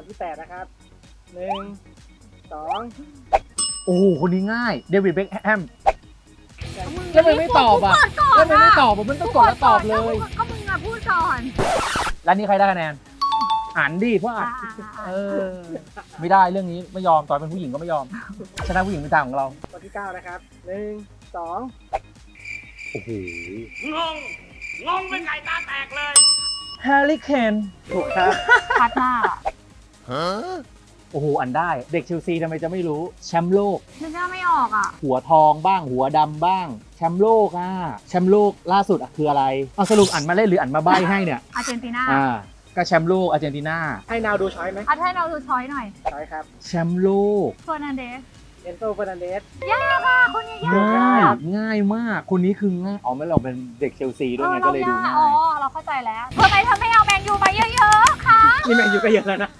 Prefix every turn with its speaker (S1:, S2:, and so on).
S1: ที่8นะครับ1 2
S2: โอ้โหคนนี้ง่ายเดวิดเบ็คแฮม
S3: มึง
S2: แล้วมันไม่ตอบอ่ะ
S3: กูกดก่อน
S2: แล้วมันไม่ตอบมันต้องกดแล้วตอบเลย
S3: ก็มึงอะพูดก่อน
S2: แล้วนี่ใครได้คะแนนอ่านดิเพราะอ่านเออไม่ได้เรื่องนี้ไม่ยอมตอนเป็นผู้หญิงก็ไม่ยอมชนะผู้หญิงเป็นทางของเรา
S1: ตัวที่9นะครับ1 2
S2: โอ้โห
S4: งงเป็นไก่ตาแตกเลย
S2: แฮร์รี่เคน
S1: ถูกครับ
S3: พัดหน้า
S2: โอ้โหอันได้เด็กเชลซีทำไมจะไม่รู้แชมป์โลก
S3: นึกหน้าไม่ออกอ่ะ
S2: หัวทองบ้างหัวดำบ้างแชมป์โลกแชมป์โลกล่าสุดคืออะไรเอาสรุปอ่านมาเล่นหรืออ่านมาใบ้ให้เนี่ย
S3: อาร์เจนตินา
S2: ก็แชมป์โลกอาร์เจนตินา
S1: ให้นาวดูช้อยไหม
S3: เอาให้เราดูช้อยหน่อย
S1: ช้อยครับ
S2: แชมป์โลก
S3: เฟอร์นันเดส
S1: เอนโซเฟอร์นันเดส
S3: ยากอ่ะคนนี้ยาก
S2: ง่าย
S3: อะ
S2: ง่ายมากคนนี้คือง่ายอ๋อไม่เราเป็นเด็กเชลซีด้วยไงก็เลยดูง่า
S3: อ๋อย เราเข้าใจแล้วทำไมเธอไม่เอาแมนยูมาเยอะๆคะ
S1: นี่แมนยูก็เยอะแล้วนะ